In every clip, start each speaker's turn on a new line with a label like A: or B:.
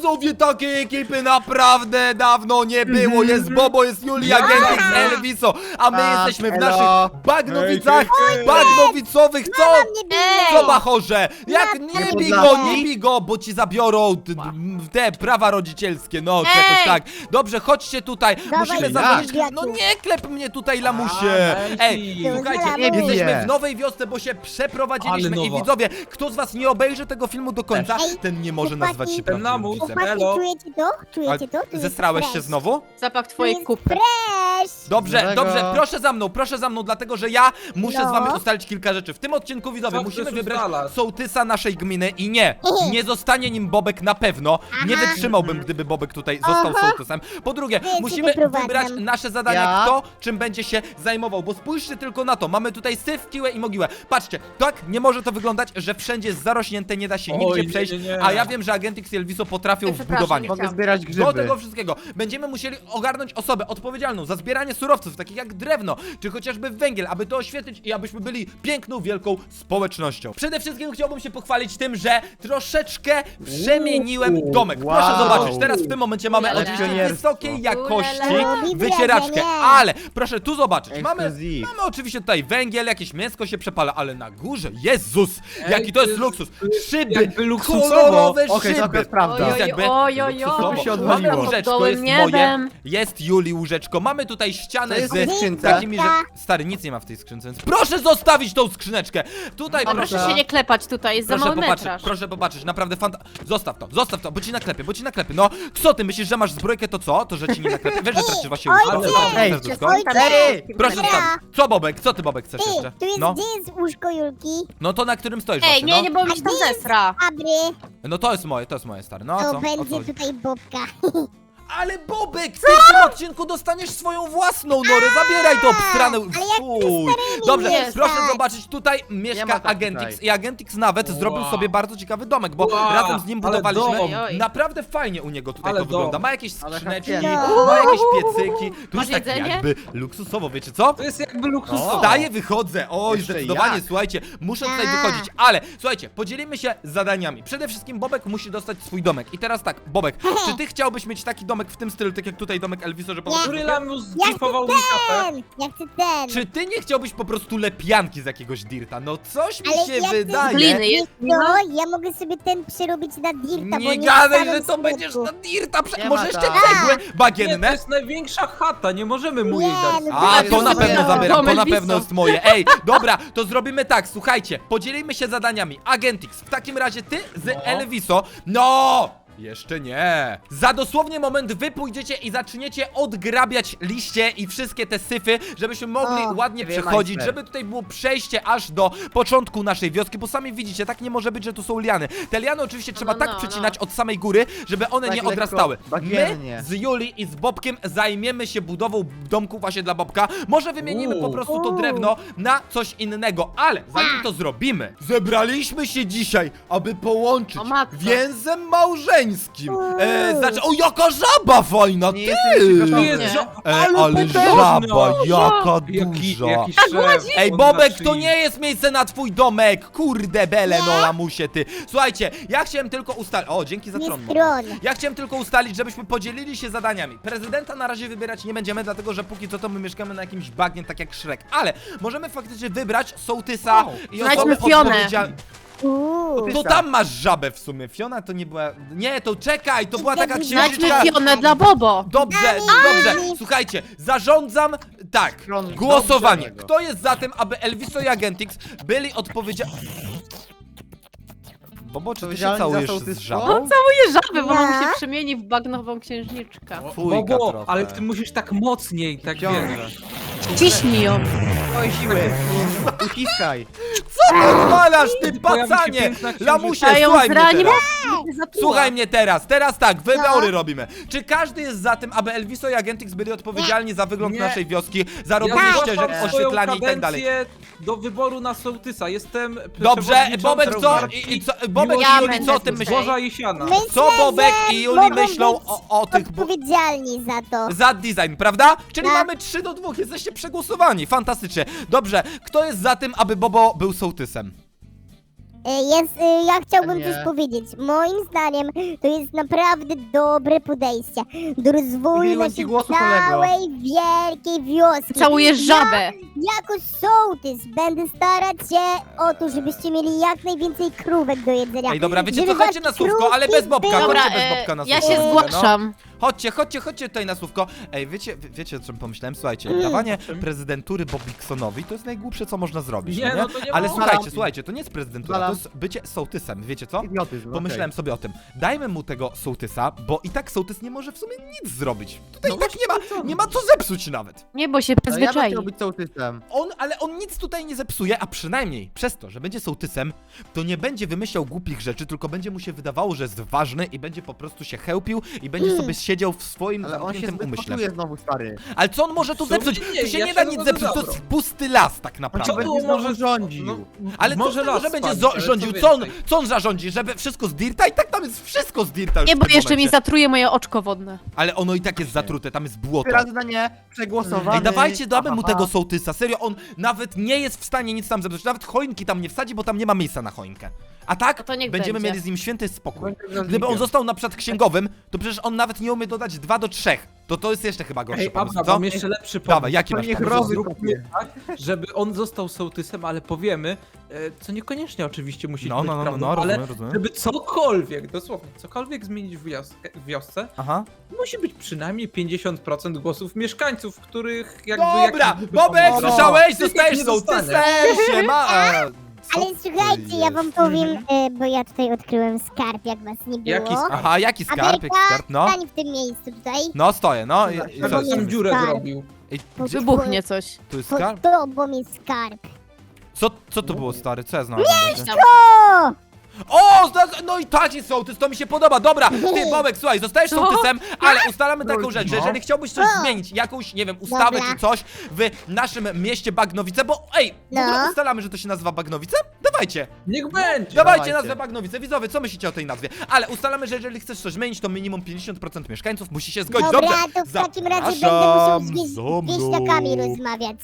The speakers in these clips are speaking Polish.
A: Widzowie, takiej ekipy naprawdę dawno nie było. Jest Bobo, jest Julia, Gentix, Elviso, a my jesteśmy w naszych Bagnowicach, bagnowicowych. Co bachorze? Jak nie bij go, bo ci zabiorą te prawa rodzicielskie, no jakoś tak. Dobrze, chodźcie tutaj, musimy zadzwonić. No nie klep mnie tutaj, lamusie. Ej, słuchajcie, jesteśmy w nowej wiosce, bo się przeprowadziliśmy i widzowie, kto z was nie obejrzy tego filmu do końca, ten nie może nazwać się prawdziwym widzem.
B: Czujecie to?
A: Zestrałeś się znowu?
C: Zapach twojej kupy.
A: Dobrze, proszę za mną, dlatego że ja muszę z wami ustalić kilka rzeczy. W tym odcinku, widzowie, musimy wybrać sołtysa naszej gminy i nie zostanie nim Bobek na pewno. Nie wytrzymałbym, gdyby Bobek tutaj został sołtysem. Po drugie, musimy wybrać nasze zadania, kto czym będzie się zajmował, bo spójrzcie tylko na to. Mamy tutaj syf, kiłę i mogiłę. Patrzcie, tak nie może to wyglądać, że wszędzie jest zarośnięte, nie da się nigdzie przejść, a ja wiem, że Agentix i Elviso potrafią w budowanie.
D: Mogę zbierać grzyby.
A: Do tego wszystkiego będziemy musieli ogarnąć osobę odpowiedzialną za zbieranie surowców, takich jak drewno, czy chociażby węgiel, aby to oświetlić i abyśmy byli piękną, wielką społecznością. Przede wszystkim chciałbym się pochwalić tym, że troszeczkę przemieniłem domek. Proszę zobaczyć, teraz w tym momencie mamy oczywiście wysokiej jakości wycieraczkę, ale proszę tu zobaczyć, mamy oczywiście tutaj węgiel, jakieś mięsko się przepala, ale na górze, Jezus, jaki to jest luksus, szyby, kolorowe szyby.
D: To prawda.
A: Jest jakby luksusowo. Mamy łóżeczko, jest moje, jest Julii łóżeczko, mamy tutaj ścianę z takimi, że... Stary, nic nie ma w tej skrzynce, więc proszę zostawić tą skrzyneczkę. Tutaj
C: Proszę się nie klepać tutaj, jest za mały metraż.
A: Proszę popatrzeć, naprawdę Zostaw to, bo ci naklepie, No, co ty myślisz, że masz zbrojkę, to co? To, że ci nie naklepie? Wiesz, że tracisz właśnie serduszko? Proszę zostawić. Co, Bobek? Co ty, Bobek, chcesz jeszcze?
B: Gdzie jest łóżko Julki?
A: No to na którym stoisz
C: Ej,
A: właśnie,
C: nie, bo mi się tam zesra.
B: Abry,
A: No to jest moje, stary, no a co?
B: to
A: O co
B: będzie
A: chodzi?
B: tutaj Bobka.
A: Ale Bobek, ty w tym odcinku dostaniesz swoją własną norę, zabieraj to obstranę. Fuj. Dobrze,
C: nie
A: proszę
B: stać.
A: zobaczyć, tutaj mieszka
D: tak
A: Agentix
D: tutaj.
A: i Agentix nawet zrobił sobie bardzo ciekawy domek, bo razem z nim
E: ale
A: budowaliśmy.
E: dom.
A: Naprawdę fajnie u niego tutaj
E: Ale
A: to wygląda.
E: dom.
A: Ma jakieś skrzyneczki,
B: No.
A: ma jakieś piecyki. Tu
C: Masz
A: jest tak
C: jedzenie?
A: jakby luksusowo, wiecie co?
E: To jest jakby luksusowo.
A: Wstaję, wychodzę. Oj,
D: Jeszcze
A: zdecydowanie,
D: jak?
A: słuchajcie, muszę tutaj wychodzić, ale słuchajcie, podzielimy się zadaniami. Przede wszystkim Bobek musi dostać swój domek. I teraz tak, Bobek, czy ty chciałbyś mieć taki domek w tym stylu, tak jak tutaj domek Elviso, że po prostu...
E: Który lamus
B: Ja chcę
E: zdzipował mi kapę?
B: Ja chcę ten.
A: Czy ty nie chciałbyś po prostu lepianki z jakiegoś dirta? No coś mi
B: Ale
A: się
B: ja
A: wydaje.
C: Gliny jest.
B: No, ja mogę sobie ten przerobić na dirta, bo
A: Nie
B: nie
A: gadaj,
B: wstałem
A: że to
B: z
A: będziesz
B: łóżku.
A: na dirta.
D: Nie
A: Może
D: ma
A: jeszcze
D: tak.
A: cegły
E: Nie, to
A: bagienne?
E: jest największa chata, nie możemy mu jej
B: Nie,
E: dać.
B: no
A: A,
B: to
A: to na
B: jest
A: pewno
B: moje.
A: zabieram, to na
C: Elviso.
A: pewno jest moje. Ej, dobra, to zrobimy tak, słuchajcie, podzielimy się zadaniami. Agentix, w takim razie ty z Elviso. No! Jeszcze nie. Za dosłownie moment wy pójdziecie i zaczniecie odgrabiać liście i wszystkie te syfy, żebyśmy mogli ładnie przechodzić,
D: majster.
A: żeby tutaj było przejście aż do początku naszej wioski, bo sami widzicie, tak nie może być, że tu są liany. Te liany oczywiście trzeba tak przecinać od samej góry, żeby one
D: Tak
A: nie
D: lekko,
A: odrastały. My
D: bagiennie.
A: z Julii i z Bobkiem zajmiemy się budową domku właśnie dla Bobka. Może wymienimy po prostu to drewno na coś innego, ale zanim to zrobimy, zebraliśmy się dzisiaj, aby połączyć
C: O matko.
A: więzem małżeńskim. Znaczy, o jaka żaba fajna,
D: Nie
A: ty!
D: jesteś jeszcze
E: Nie
D: gotowy.
E: jest
A: Ale żaba, jaka
E: Jaki
A: duża.
E: szef.
A: Ej,
E: od
A: Bobek,
E: naszej-
A: to nie jest miejsce na twój domek! Kurde bele, no lamusie ty. Słuchajcie, ja chciałem tylko ustalić... O, dzięki za
B: Nie
A: tron.
B: stron.
A: Ja chciałem tylko ustalić, żebyśmy podzielili się zadaniami. Prezydenta na razie wybierać nie będziemy, dlatego że póki co to my mieszkamy na jakimś bagnie, tak jak Shrek. Ale możemy faktycznie wybrać sołtysa i
C: Znajdźmy
A: osobę
C: Fionę.
A: odpowiedzialną. To tam masz żabę w sumie. Fiona to nie była... Nie, to czekaj, to była taka
C: Znajdźmy
A: księżniczka...
C: Fionę dla Bobo.
A: Dobrze, dobrze. Słuchajcie, zarządzam tak.
D: Stron
A: Głosowanie.
D: dobrego.
A: Kto jest za tym, aby Elviso i Agentix byli odpowiedzialni... Bobo, czy ty się
D: Odpowiedzialni za
A: całujesz z
D: sołtystwo?
A: żabą?
C: Całuję żaby, bo
B: Ja?
C: mam się przemieni w bagnową księżniczkę.
A: Fujka
E: Bobo,
A: trochę.
E: ale ty musisz tak mocniej, tak
D: Ciągle.
E: wiesz.
C: Ciśnij ją.
D: Oj, siły. Uciskaj.
A: Co odwalasz, ty
E: Pojawi się
A: pacanie?
E: piękna księżniczka.
A: Lamusie,
C: A ją
A: słuchaj mnie
C: zrani,
A: teraz.
C: Słuchaj
A: Słuchaj mnie teraz. Teraz tak, wybory robimy. Czy każdy jest za tym, aby Elviso i Agentix byli odpowiedzialni za wygląd
E: Nie.
A: naszej wioski, za
E: Ja
A: robienie ścieżek,
E: zgłaszam swoją
A: oświetlanie i tak dalej?
E: kadencję do wyboru na sołtysa. Jestem
A: Dobrze, Bobek co?
E: partii
A: Bobek
C: Ja
A: i Juli,
C: będę
A: co o tym
C: tutaj.
A: myślisz?
E: Zboża Jesiana.
B: Myślę,
A: Co Bobek
B: że
A: i Juli
B: mogą
A: myślą
B: być
A: o tych...
B: odpowiedzialni za to.
A: Za design, prawda? Czyli
B: Tak.
A: mamy 3-2, jesteście przegłosowani, fantastycznie. Dobrze, kto jest za tym, aby Bobo był sołtysem?
B: Ja chciałbym
D: Nie.
B: coś powiedzieć. Moim zdaniem to jest naprawdę dobre podejście do rozwoju
D: Udzieliłem
B: naszej
D: ci głosu, kolego.
B: całej wielkiej wioski.
C: Całujesz żabę.
B: Jako sołtys będę starać się o to, żebyście mieli jak najwięcej krówek do jedzenia.
A: Ej, dobra, wiecie co,
B: Żeby
A: chodźcie
B: wasze
A: na słówko, ale bez
B: krówki
A: Bobka,
B: były-
C: Dobra,
A: chodźcie bez Bobka na
C: ja
A: słówko.
C: się
A: No.
C: zgłaszam.
A: Chodźcie tutaj na słówko. Ej, wiecie o czym pomyślałem? Słuchajcie, dawanie prezydentury Bobiksonowi to jest najgłupsze, co można zrobić,
E: Nie,
A: no
E: no to nie
A: Ale
E: można.
A: słuchajcie, to nie jest prezydentura, to
D: Zalam.
A: jest bycie sołtysem, wiecie co?
D: Idiotyzm,
A: Pomyślałem sobie o tym. Dajmy mu tego sołtysa, bo i tak sołtys nie może w sumie nic zrobić. Tutaj
E: No
A: i tak nie ma co zepsuć nawet.
C: Nie, bo się
D: Ja bym
C: przyzwyczai.
D: chciał być sołtysem.
A: Ale on nic tutaj nie zepsuje, a przynajmniej przez to, że będzie sołtysem, to nie będzie wymyślał głupich rzeczy, tylko będzie mu się wydawało, że jest ważny i będzie po prostu się chełpił i będzie sobie siedział w swoim
D: Ale on się
A: zamkniętym umyśle.
D: zbetutuje znowu, stary.
A: Ale co on może tu
E: W sumie
A: zepsuć?
E: nie,
A: Tu się
E: ja
A: nie
E: się
A: da
E: na
A: nic
E: to
A: zepsuć, to
E: zgadzam.
A: jest pusty las tak
D: On
A: naprawdę.
D: cię będzie znowu rządził.
E: No,
A: Ale
E: może
A: co,
E: las
A: że będzie
E: spadnie, ale
A: rządził?
E: co
A: Co
E: więcej?
A: on zarządzi? Żeby wszystko z dirta? I tak tam jest wszystko z dirta już
C: Nie,
A: w
C: bo
A: tym
C: jeszcze mi
A: momencie.
C: zatruje moje oczko wodne.
A: Ale ono i tak jest zatrute, tam jest błoto.
D: Teraz na nie przegłosowany.
A: Ej, dawajcie, damy mu
D: Aha.
A: tego sołtysa. Serio, on nawet nie jest w stanie nic tam zepsuć. Nawet choinki tam nie wsadzi, bo tam nie ma miejsca na choinkę. A tak,
C: No to niech
A: będziemy
C: będzie.
A: mieli z nim święty spokój.
D: Będzie
A: Gdyby on
D: urzędnikiem.
A: został na przykład księgowym, to przecież on nawet nie umie dodać 2 do 3. To jest jeszcze chyba gorszy
E: Ej,
A: pomysł,
E: Abra,
A: co?
E: mam jeszcze lepszy pomysł.
A: Dawaj, jaki
D: To
A: masz
D: niech
A: pomysł?
D: robi.
E: Zróbmy tak, żeby on został sołtysem, ale powiemy, co niekoniecznie oczywiście musi być prawdą, ale
A: rozumiem.
E: żeby cokolwiek, dosłownie, cokolwiek zmienić w wiosce,
A: Aha.
E: musi być przynajmniej 50% głosów mieszkańców, których jakby...
A: Dobra,
E: jakiś
A: Bobek,
E: pomysł-
A: słyszałeś?
E: No.
A: Zostajesz
E: Nie
A: sołtysem,
E: dostanę.
A: siema! Co
B: Ale
A: to
B: słuchajcie, ja wam
A: jest?
B: powiem, bo ja tutaj odkryłem skarb, jak was nie było.
E: Jaki skarb?
A: Aha, jaki skarb, jaki
B: Ameryka,
A: skarb, no?
B: stań w tym miejscu tutaj.
A: No, stoję, no i co?
E: Chyba tam dziurę
B: Skarb.
E: zrobił.
A: Ej,
B: Bo
A: gdzie,
C: Wybuchnie coś.
A: tu jest
B: Pod
A: skarb?
B: tobą jest skarb.
A: Co to było, stary? Co ja znalazłem? będzie?
B: O!
A: O, no i tak jest sołtys, to mi się podoba, dobra. Ty, Bobek, słuchaj, zostajesz
C: Co?
A: sołtysem, ale ustalamy taką rzecz, że
D: No.
A: jeżeli chciałbyś coś
B: O.
A: zmienić, jakąś, nie wiem, ustawę
B: Dobra.
A: czy coś w naszym mieście Bagnowice, bo ej, w ogóle
B: No.
A: ustalamy, że to się nazywa Bagnowice? Dawajcie,
E: Niech będzie!
A: dawajcie
D: Dawajcie.
A: nazwę Bagnowice, widzowie, co myślicie o tej nazwie? Ale ustalamy, że jeżeli chcesz coś zmienić, to minimum 50% mieszkańców musi się zgodzić.
B: Dobra,
A: Dobrze,
B: to w takim razie będę musiał
A: zapraszam
B: z
A: za mną.
B: wieśniakami rozmawiać.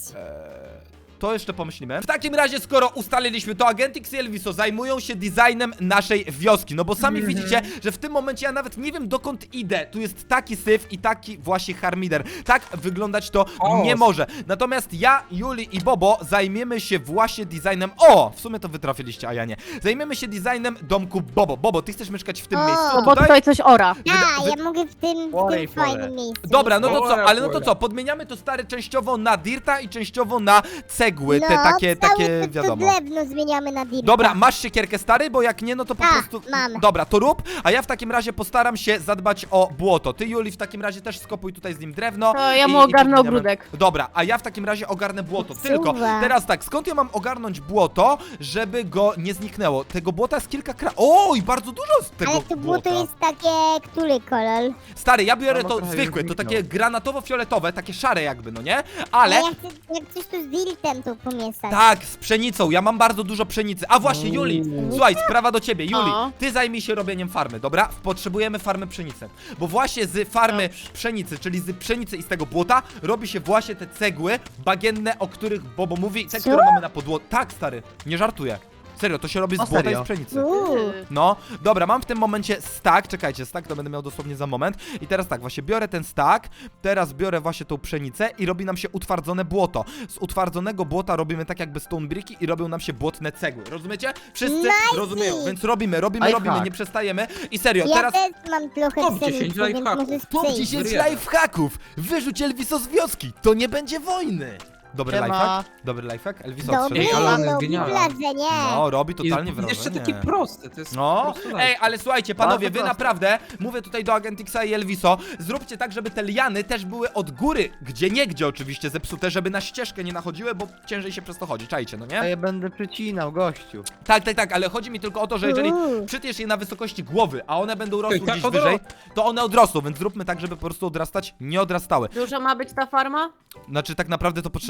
A: To jeszcze pomyślimy. W takim razie, skoro ustaliliśmy to, Agentix i Elviso zajmują się designem naszej wioski. No bo sami widzicie, że w tym momencie ja nawet nie wiem, dokąd idę. Tu jest taki syf i taki właśnie harmider. Tak wyglądać to
E: O.
A: nie może. Natomiast ja, Juli i Bobo zajmiemy się właśnie designem... O! W sumie to wy trafiliście, a ja nie. Zajmiemy się designem domku Bobo. Bobo, ty chcesz mieszkać w tym
B: O.
A: miejscu
C: Bo tutaj coś ora.
B: A, ja mogę w tym
D: Olej,
B: fajnym
D: pole.
B: miejscu.
A: Dobra, no to co,
E: Ora,
A: ale no to
E: ora.
A: co, podmieniamy to stare częściowo na dirta i częściowo na cegły, te
B: no,
A: takie
B: całe to
A: wiadomo.
B: drewno zmieniamy na dirta.
A: Dobra, masz siekierkę, stary, bo jak nie, no to po
B: Tak,
A: prostu...
B: mam.
A: Dobra, to rób, a ja w takim razie postaram się zadbać o błoto. Ty, Juli, w takim razie też skopuj tutaj z nim drewno.
C: To ja
A: i-
C: mu
A: i
C: ogarnę
A: podmieniamy-
C: ogródek.
A: Dobra, a ja w takim razie ogarnę błoto.
B: Super.
A: Tylko, teraz tak, skąd ja mam ogarnąć błoto, żeby go nie zniknęło? Tego błota jest kilka Oj, bardzo dużo z tego
B: Ale to
A: błota.
B: błoto jest takie, który kolor?
A: Stary, ja biorę
D: No,
A: to
D: prawie
A: zwykłe, to
D: zniknął.
A: takie granatowo-fioletowe, takie szare jakby, no nie?
B: Ale
A: Ale...
B: ja chcę, jak coś tu z dirtem to pomieszać.
A: Tak, z pszenicą, ja mam bardzo dużo pszenicy. A właśnie, Juli, słuchaj, sprawa do ciebie. Juli,
C: O.
A: ty zajmij się robieniem farmy, dobra? Potrzebujemy farmy pszenicy. Bo właśnie z farmy pszenicy, czyli z pszenicy i z tego błota, robi się właśnie te cegły bagienne, o których Bobo mówi, te,
B: Co?
A: które mamy na podłodze. Tak, stary, nie żartuję. Serio, to się robi z
D: O,
A: błota i
D: serio?
A: z pszenicy.
C: Ty.
A: No, dobra, mam w tym momencie stack, czekajcie, stack to będę miał dosłownie za moment. I teraz tak, właśnie biorę ten stack, teraz biorę właśnie tą pszenicę i robi nam się utwardzone błoto. Z utwardzonego błota robimy tak jakby stone bricki i robią nam się błotne cegły, rozumiecie? Wszyscy
B: Nice.
A: rozumieją, więc robimy,
D: Lifehack.
A: nie przestajemy. I serio,
B: Ja
A: teraz...
B: też mam trochę
E: Top 10
B: pszenicy, więc
E: lifehacków.
B: możesz
A: Top
B: przyjść.
A: 10
E: Zjadłem.
A: lifehacków! Wyrzuć Elviso z wioski, to nie będzie wojny! Dobry
D: Siema.
A: lifehack? Dobry lifehack? Elviso
B: Dobry,
A: odszedł.
E: Ej, Alan jest
B: robi
E: genialny.
B: wrażenie.
A: No, robi totalnie
E: I
A: wrażenie.
E: jeszcze takie proste, to jest
A: No,
E: po prostu
A: ej, ale słuchajcie, panowie,
D: Bardzo
A: wy
D: proste.
A: naprawdę, mówię tutaj do Agentixa i Elviso, zróbcie tak, żeby te liany też były od góry, gdzie oczywiście zepsute, żeby na ścieżkę nie nachodziły, bo ciężej się przez to chodzi, czajcie, no
D: A
A: nie?
D: ja będę przycinał, gościu.
A: Tak, ale chodzi mi tylko o to, że jeżeli przytniesz je na wysokości głowy, a one będą rosły
E: Ej, tak
A: gdzieś
E: odro-
A: wyżej, to one odrosną, więc zróbmy tak, żeby po prostu odrastać nie odrastały.
C: Duża ma być ta farma?
A: Znaczy tak naprawdę to potrzeba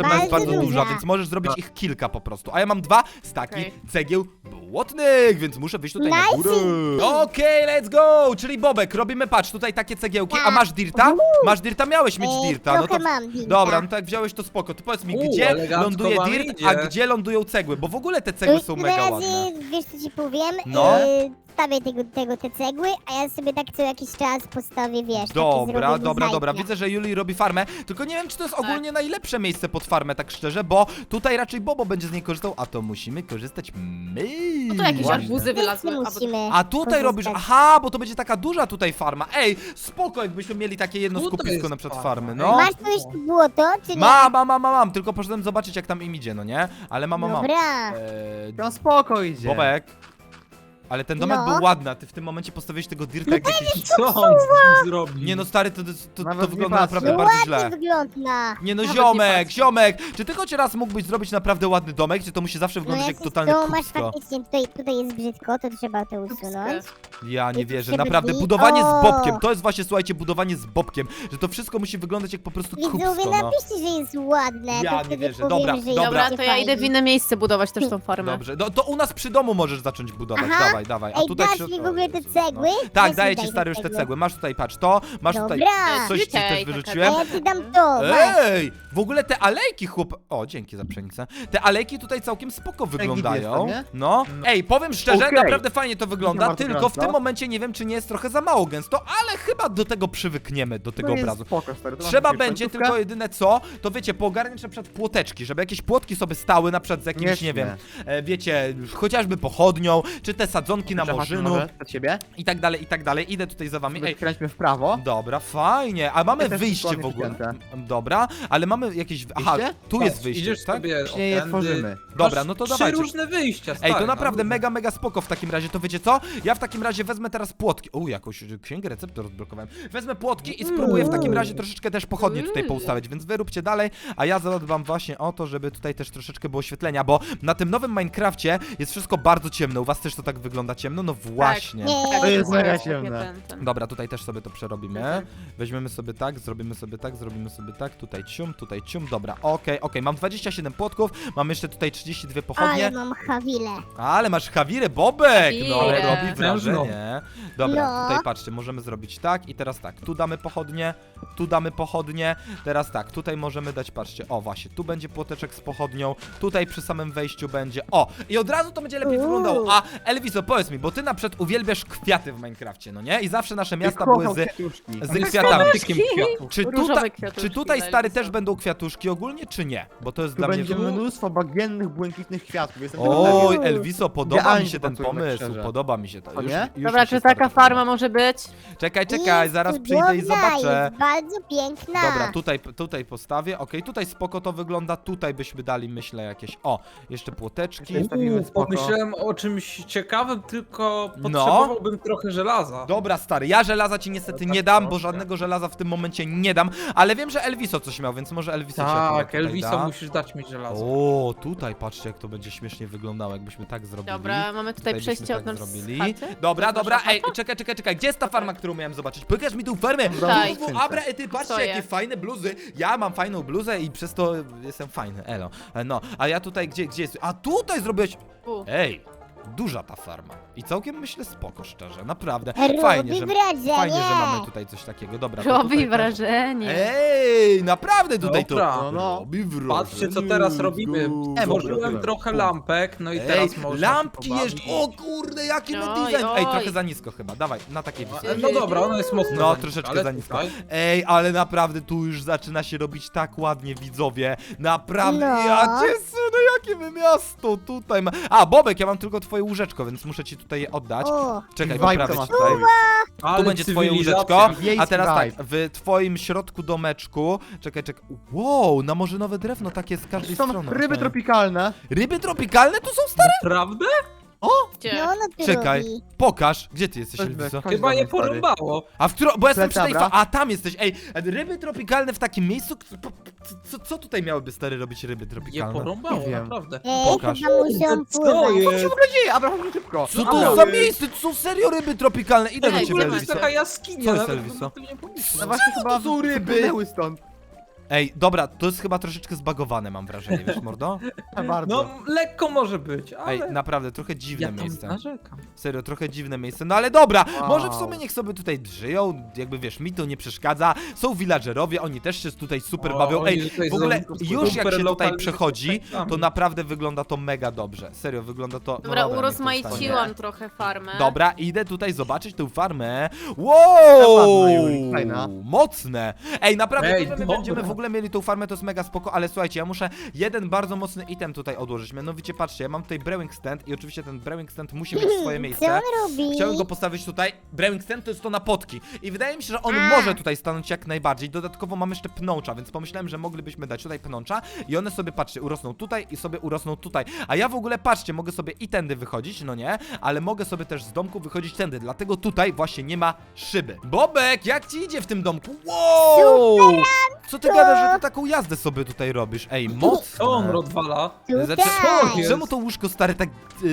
A: farma jest
B: Bardzo
A: bardzo duża,
B: duża.
A: więc możesz zrobić ich kilka po prostu. A ja mam 2 staki
C: Okej.
A: cegieł błotnych, więc muszę wyjść tutaj na
B: Nice.
A: górę. Okej, let's go! Czyli Bobek, robimy, patrz, tutaj takie cegiełki. A masz dirta? Masz dirta? Miałeś mieć dirta. No
B: Trochę
A: to...
B: mam dirta.
A: Dobra, no to jak wziąłeś to spoko. To powiedz mi, gdzie
E: elegancko
A: ląduje
E: wam
A: dirt,
E: idzie.
A: a gdzie lądują cegły? Bo w ogóle te cegły są mega
B: Na
A: ładne.
B: razie, wiesz co ci powiem?
A: No.
B: Stawię te cegły, a ja sobie tak co jakiś czas postawię, wiesz, takie
A: Dobra,
B: zrobię
A: dobra.
B: mozaiki.
A: Widzę, że Julii robi farmę, tylko nie wiem, czy to jest ogólnie najlepsze miejsce pod farmę, tak szczerze, bo tutaj raczej Bobo będzie z niej korzystał, a to musimy korzystać my.
C: No to jakieś
A: Właśnie.
C: arbuzy wylazły.
B: Wszyscy musimy
A: A tutaj
B: korzystać.
A: robisz, aha, bo to będzie taka duża tutaj farma. Ej, spoko, jakbyśmy mieli takie jedno
E: Tutaj
A: skupisko
E: jest
A: na przykład
E: farma.
A: farmy, no.
B: Masz tu jeszcze błoto, czy nie?
A: Mam, tylko poszedłem zobaczyć, jak tam im idzie, no nie? Ale mam.
B: Dobra.
D: No spoko idzie.
A: Bobek. Ale ten domek
B: No.
A: był ładny, a ty w tym momencie postawiłeś tego dirta jak jakiś...
E: Co on z nim zrobił?
A: Nie no stary, to
D: Nawet nie
A: wygląda
D: patrzę.
A: naprawdę bardzo
B: Ładnie
A: źle.
B: wygląda.
A: Nie no,
C: Nawet
A: ziomek,
C: nie
A: ziomek! Czy ty choć raz mógłbyś zrobić naprawdę ładny domek, czy to musi zawsze
B: No
A: wyglądać jak
B: jak
A: totalne
B: to masz
A: kupsko?
B: faktycznie, tutaj jest brzydko, to trzeba to usunąć.
A: Ja nie
B: tu
A: wierzę,
B: się
A: naprawdę,
B: brwi.
A: budowanie z
B: O!
A: bobkiem, to jest właśnie, słuchajcie, budowanie z bobkiem, że to wszystko musi wyglądać jak po prostu
B: Widzowie,
A: kupsko, no.
B: napiszcie, że jest ładne,
A: Ja
B: to
A: nie
B: wtedy
A: wierzę.
B: powiem,
A: Dobra,
B: że
A: dobra.
C: Dobra,
B: jest
C: to ja idę w inne miejsce budować też tą farmę.
A: Dobrze, no, to u nas przy domu możesz zacząć budować,
B: Aha.
A: dawaj. A
B: Ej,
A: tutaj
B: dasz mi w ogóle te
A: Jezus,
B: cegły?
A: no. Tak,
B: Weź
A: daję
B: mi
A: ci
B: daj
A: stary
B: te
A: już te
B: cegły.
A: cegły, masz tutaj, patrz to, masz tutaj,
B: Dobra.
A: coś ci też
C: Tutaj,
A: wyrzuciłem.
B: A ja ci dam to, masz.
A: Ej, w ogóle te alejki, chłop... O, dzięki za pszenicę. Te alejki tutaj całkiem spoko wyglądają.
D: jest to, nie?
A: No. Ej, powiem szczerze,
D: Okej.
A: naprawdę fajnie to wygląda,
D: bardzo
A: tylko w
D: gęsto.
A: tym momencie nie wiem, czy nie jest trochę za mało gęsto, ale chyba do tego przywykniemy, do tego
D: No jest
A: obrazu.
D: spoko, stary, to
A: Trzeba
D: masz jakąś
A: będzie
D: końcówkę?
A: tylko jedyne co, to wiecie, poogarniać na przykład płoteczki, żeby jakieś płotki sobie stały na przykład z jakimś,
D: Nieźle.
A: nie wiem, wiecie, chociażby pochodnią, czy te sadzonki na
D: Przechodźmy
A: morzynu
D: może przed siebie.
A: i tak dalej, i tak dalej. Idę tutaj za wami. Ej,
D: Skręćmy w prawo.
A: dobra, fajnie. A mamy
D: Ja też
A: wyjście w
D: dokładnie
A: ogóle.
D: przypięte.
A: Dobra, ale mamy jakieś... Aha,
D: Wyjście?
A: tu jest wyjście,
E: Idziesz
A: tak?
E: sobie
D: Nie je
E: otędy.
D: tworzymy.
A: Dobra,
E: Masz
A: no to
E: 3
A: dawajcie.
E: różne wyjścia,
A: Ej,
E: stary,
A: to naprawdę
E: no.
A: mega spoko w takim razie, to wiecie co? Ja w takim razie wezmę teraz płotki. Jakąś księgę receptur odblokowałem. Wezmę płotki i spróbuję w takim razie troszeczkę też pochodnie tutaj poustawiać, więc wy róbcie dalej, a ja zadbam właśnie o to, żeby tutaj też troszeczkę było oświetlenia, bo na tym nowym Minecrafcie jest wszystko bardzo ciemno. U was też to tak wygląda ciemno? No właśnie.
B: Nie.
D: To jest mega
C: Takie
D: ciemne.
C: ten.
A: Dobra, tutaj też sobie to przerobimy.
C: Mhm.
A: Weźmiemy sobie tak, zrobimy sobie tak, zrobimy sobie tak, tutaj cium, dobra, okej, mam 27 płotków, mam jeszcze tutaj 32 pochodnie,
B: Ale mam hawilę.
A: ale masz Hawirę Bobek, no
C: Hawirę.
A: robi wrażenie. Dobra,
B: No.
A: tutaj patrzcie, możemy zrobić tak i teraz tak, tu damy pochodnie, teraz tak, tutaj możemy dać, patrzcie, o właśnie, tu będzie płoteczek z pochodnią, tutaj przy samym wejściu będzie, o, i od razu to będzie lepiej wyglądało, a Elviso, powiedz mi, bo ty na przykład uwielbiasz kwiaty w Minecrafcie, no nie? I zawsze nasze miasta były
D: Kocham
A: z
D: kwiatuszki.
A: kwiatami.
E: Fanatykiem kwiatów.
A: Czy,
C: Różowe kwiatuszki
A: czy tutaj
C: dla
A: stary
C: Elvisa.
A: też będą kwiatuszki ogólnie, czy nie? Bo to jest
D: Tu
A: dla mnie...
D: będzie mnóstwo bagiennych, błękitnych kwiatków. Jestem tego
A: Oj,
D: pewien.
A: Elviso, podoba mi
D: Idealnie
A: się ten
D: pasuje, tak
A: pomysł,
D: szczerze.
A: podoba mi się to.
D: O nie?
C: Dobra,
A: mi się
C: czy
A: stary
C: taka
A: podoba.
C: farma może być?
A: Czekaj,
B: Jest
A: zaraz przyjdę i
B: cudowna,
A: zobaczę.
B: Jest bardzo piękna.
A: Dobra, tutaj postawię, okej, tutaj spoko to wygląda, tutaj byśmy dali, myślę, jakieś... O, jeszcze płoteczki.
D: Zostawimy spoko.
E: Pomyślałem o czymś ciekawym, tylko potrzebowałbym trochę żelaza.
A: Dobra, stary, ja żelaza ci niestety nie dam, bo żadnego żelaza w tym momencie nie dam, ale wiem, że Elviso coś miał, więc może Elviso ci akurat
E: Tak,
A: tutaj
E: Elviso,
A: da.
E: musisz dać mi żelazo.
A: O, tutaj patrzcie, jak to będzie śmiesznie wyglądało, jakbyśmy tak zrobili.
C: Dobra, mamy tutaj
A: byśmy
C: przejście
A: tak
C: od nas
A: zrobili.
C: z chaty.
A: Dobra,
C: To jest nasza
A: ej, czekaj, gdzie jest ta farma, którą miałem zobaczyć? Pokaż mi tą farmę!
C: Tutaj.
A: Abra, ty patrzcie,
C: Stoję.
A: jakie fajne bluzy. Ja mam fajną bluzę i przez to jestem fajny, elo. No, a ja tutaj, gdzie jest? A tutaj zrobiłeś...
C: Tu.
A: Ej, duża ta farma. I całkiem myślę spoko, szczerze, naprawdę.
B: Robi
A: Fajnie, że
B: wrażenie.
A: mamy tutaj coś takiego. Dobra, to
C: Robi
A: tutaj
C: wrażenie.
A: Ej, naprawdę tutaj
E: Dobra.
A: to
D: No.
A: robi wrażenie.
E: Patrzcie, co teraz robimy.
A: Let's go.
E: Tworzyłem trochę lampek, no i
A: Ej,
E: teraz można
A: lampki
E: się pobawić.
A: jeszcze. O kurde, jaki my
C: Oj,
A: design. Ej,
C: oj.
A: trochę za nisko chyba. Dawaj, na takiej wysokości.
E: No dobra, ona jest mocno
A: No,
E: za niska,
A: troszeczkę
E: ale
A: za nisko.
E: tutaj-
A: Ej, ale naprawdę tu już zaczyna się robić tak ładnie, widzowie. Naprawdę,
B: No.
A: ja cię sunę, jakie my miasto tutaj ma. A, Bobek, ja mam tylko twoje łóżeczko, więc muszę ci tutaj je oddać.
B: O,
A: Czekaj,
D: Vibe
A: poprawię
D: to
A: ci
D: ma.
A: tutaj.
E: Ale
A: Tu będzie twoje
E: cywilizacja.
A: łóżeczko, a
D: Wiejski
A: teraz tak,
D: vibe.
A: w twoim środku domeczku, czekaj, wow, na morzynowe drewno takie z każdej
D: Są
A: strony.
D: ryby
A: okej.
D: tropikalne.
A: Ryby tropikalne tu są stare?
E: Prawda?
C: Gdzie?
B: no ono tu
A: Czekaj,
B: robi.
A: pokaż, gdzie ty jesteś,
D: Chodźmy,
A: Elviso?
D: chodź
E: Chyba
D: do
E: je
D: mnie, stary.
E: porąbało.
A: A w którą, bo ja jestem przy tej
D: Dobra.
A: A tam jesteś, ej, ryby tropikalne w takim miejscu, co tutaj miałyby stary robić ryby
E: Je
A: tropikalne?
E: porąbało,
D: Nie wiem.
E: naprawdę.
B: Ej,
A: Pokaż.
B: chyba muszą
E: Co
B: pływać.
E: jest?
D: Co się w ogóle dzieje? Abraham, chodź szybko.
A: Co
E: Dobra.
A: to za miejsce? To są serio ryby tropikalne, idę do
C: Ej,
E: W
A: ciebie,
E: ogóle to
C: Elviso.
E: jest
A: Elviso.
E: taka jaskinia,
A: Co jest,
E: nawet
A: Elviso?
E: bym o tym nie pomyślał.
D: No właśnie chyba
A: to są ryby?
D: wypłynęły stąd.
A: Ej, dobra, to jest chyba troszeczkę zbagowane, mam wrażenie, wiesz, mordo?
D: Bardzo.
E: No, lekko może być, ale...
A: Ej, naprawdę, trochę dziwne
E: ja tam
A: miejsce.
E: narzekam.
A: Serio, trochę dziwne miejsce. No ale dobra,
D: Wow.
A: może w sumie niech sobie tutaj żyją, jakby wiesz, mi to nie przeszkadza. Są villagerowie, oni też się tutaj super bawią.
E: oni
A: Ej,
E: tutaj
A: w ogóle
E: są
A: już jak
E: super
A: się tutaj
E: lokalnymi
A: przechodzi, to
E: mieszkańcami.
A: naprawdę wygląda to mega dobrze. Serio, wygląda to...
C: Dobra,
A: niech to
C: urozmaiciłam trochę farmę.
A: Dobra, idę tutaj zobaczyć tę farmę.
D: Ładna, Juli,
A: Wow!
D: fajna.
A: Mocne! Ej, naprawdę,
E: Ej,
A: to, że my
E: dobra.
A: będziemy w ogóle mieli tą farmę, to jest mega spoko, ale słuchajcie, ja muszę jeden bardzo mocny item tutaj odłożyć. Mianowicie, patrzcie, ja mam tutaj brewing stand i oczywiście ten brewing stand musi mieć swoje
B: Co
A: miejsce.
B: on robi?
A: Chciałem go postawić tutaj. Brewing stand to jest to na potki. I wydaje mi się, że on może tutaj stanąć jak najbardziej. Dodatkowo mam jeszcze pnącza, więc pomyślałem, że moglibyśmy dać tutaj pnącza i one sobie, patrzcie, urosną tutaj i sobie urosną tutaj. A ja w ogóle, patrzcie, mogę sobie i tędy wychodzić, no nie? Ale mogę sobie też z domku wychodzić tędy, dlatego tutaj właśnie nie ma szyby. Bobek, jak ci idzie w tym domku? Wow! Co ty gadasz, że ty taką jazdę sobie tutaj robisz? Ej, mocne.
E: Co on odwala?
B: Tutaj.
A: Czemu to łóżko stare tak...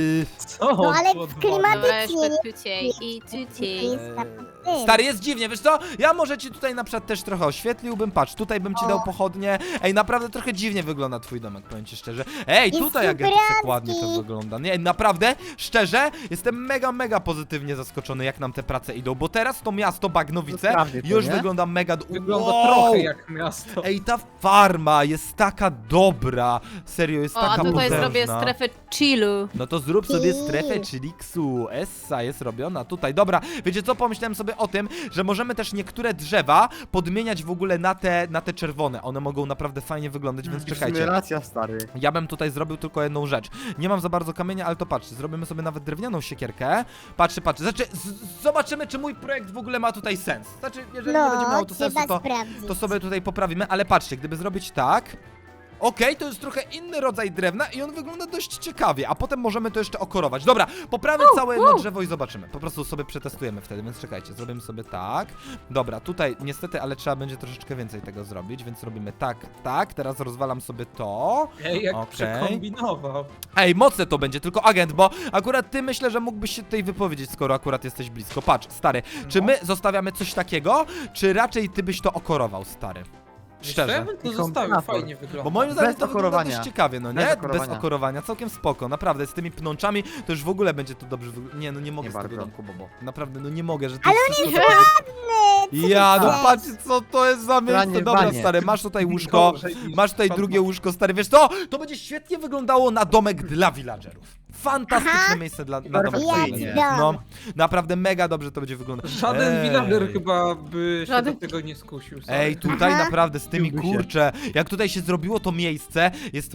E: Co on
B: No ale
E: tu odwala?
C: Dobra,
B: klimatycznie
C: jeszcze
B: nie
C: tuciej i tuciej.
B: jest na tym.
A: Stary, jest dziwnie, wiesz co? Ja może ci tutaj na przykład też trochę oświetliłbym, patrz, tutaj bym ci dał pochodnie. Ej, naprawdę trochę dziwnie wygląda twój domek, powiem ci szczerze. Ej,
B: Jest
A: tutaj jak tak
B: superancki.
A: ładnie to wygląda. Nie, naprawdę, szczerze, jestem mega pozytywnie zaskoczony, jak nam te prace idą, bo teraz to miasto Bagnowice
D: Sprawdzi to,
A: już
D: nie?
A: wygląda mega...
E: Wygląda
A: Wow!
E: trochę jak miasto.
A: Ej, ta farma jest taka dobra. Serio, jest
C: O, a
A: taka
C: tutaj
A: potężna.
C: zrobię strefę chillu.
A: No to zrób sobie strefę chiliksu. Essa jest robiona tutaj. Dobra, wiecie co? Pomyślałem sobie o tym, że możemy też niektóre drzewa podmieniać w ogóle na te czerwone. One mogą naprawdę fajnie wyglądać, więc
D: W sumie
A: czekajcie.
D: racja, stary.
A: Ja bym tutaj zrobił tylko jedną rzecz. Nie mam za bardzo kamienia, ale to patrzcie, zrobimy sobie nawet drewnianą siekierkę. Patrzcie. Znaczy, zobaczymy, czy mój projekt w ogóle ma tutaj sens. Znaczy, jeżeli nie będzie
B: No,
A: miał to sensu,
B: trzeba
A: to
B: sprawdzić.
A: sobie tutaj poprawimy, ale patrzcie, gdyby zrobić tak... Okej, to jest trochę inny rodzaj drewna i on wygląda dość ciekawie, a potem możemy to jeszcze okorować. Dobra, poprawię całe jedno drzewo i zobaczymy. Po prostu sobie przetestujemy wtedy, więc czekajcie, zrobimy sobie tak. Dobra, tutaj niestety, ale trzeba będzie troszeczkę więcej tego zrobić, więc robimy tak. Teraz rozwalam sobie to.
E: Ej, jak
A: Okej.
E: przekombinował.
A: Ej, mocne to będzie, tylko agent, bo akurat ty myślę, że mógłbyś się tutaj wypowiedzieć, skoro akurat jesteś blisko. Patrz, stary, czy my zostawiamy coś takiego, czy raczej ty byś to okorował, stary? Szczerze.
E: Ja bym to
D: I
E: zostawił,
D: kombinator.
E: fajnie wygląda.
A: Bo moim zdaniem
D: Bez
A: to wygląda
D: okorowania.
A: dość ciekawie, no nie?
D: Bez
A: Bez
D: okorowania.
A: okorowania, całkiem spoko, naprawdę, z tymi pnączami to już w ogóle będzie to dobrze wyglądać. Nie, no nie mogę
D: Nie
A: z tego
D: bardzo.
A: domku, Bobo. Naprawdę, no nie mogę, że to
B: Ale
A: jest
B: on
A: wszystko
B: jest ładny!
A: Ja, no
B: chcesz?
A: patrz, co to jest za miejsce.
D: Branie w
A: Dobra,
D: banie.
A: stary, masz tutaj łóżko,
E: Gorzej niż
A: masz tutaj
E: pan
A: drugie
E: ma.
A: łóżko, stary, wiesz co? To będzie świetnie wyglądało na domek dla villagerów. Fantastyczne
B: Aha.
A: miejsce na domek dla
D: Perfekcyjnie.
A: villagerów. No, naprawdę mega dobrze to będzie wyglądać.
E: Żaden
A: Ej.
E: villager chyba by się
C: Żaden.
E: do tego nie skusił. sorry.
A: Ej, tutaj
B: Aha.
A: naprawdę z tymi,
D: Dziwmy się.
A: kurczę, jak tutaj się zrobiło to miejsce, jest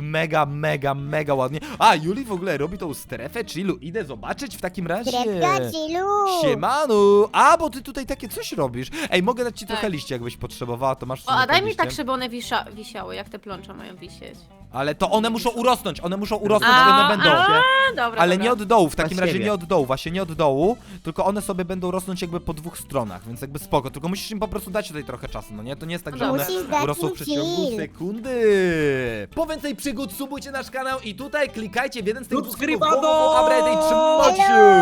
A: mega ładnie. A, Juli w ogóle robi tą strefę chillu, idę zobaczyć w takim razie.
B: Krewka chillu!
A: Siemanu! A, bo ty tutaj takie coś robisz. Ej, mogę dać ci
C: Tak.
A: trochę liści, jakbyś potrzebowała, to masz w
C: O,
A: sumie
C: a daj
A: te
C: mi tak,
A: liście.
C: żeby one wisiały, jak te plącza mają wisieć.
A: Ale to one muszą urosnąć, więc
C: A,
A: one będą.
C: dobra,
A: Ale
C: dobra.
A: nie od dołu, w takim
D: Na
A: razie
D: siebie.
A: nie od dołu, właśnie nie od dołu, tylko one sobie będą rosnąć jakby po dwóch stronach, więc jakby spoko, tylko musisz im po prostu dać tutaj trochę czasu, no nie? To nie jest tak, że one
B: Musisz dać
A: urosną
B: im
A: w przeciągu
B: chill.
A: sekundy. Po więcej przygód subujcie nasz kanał i tutaj klikajcie w jeden z tych
E: Subskrybado!
A: Trzymajcie!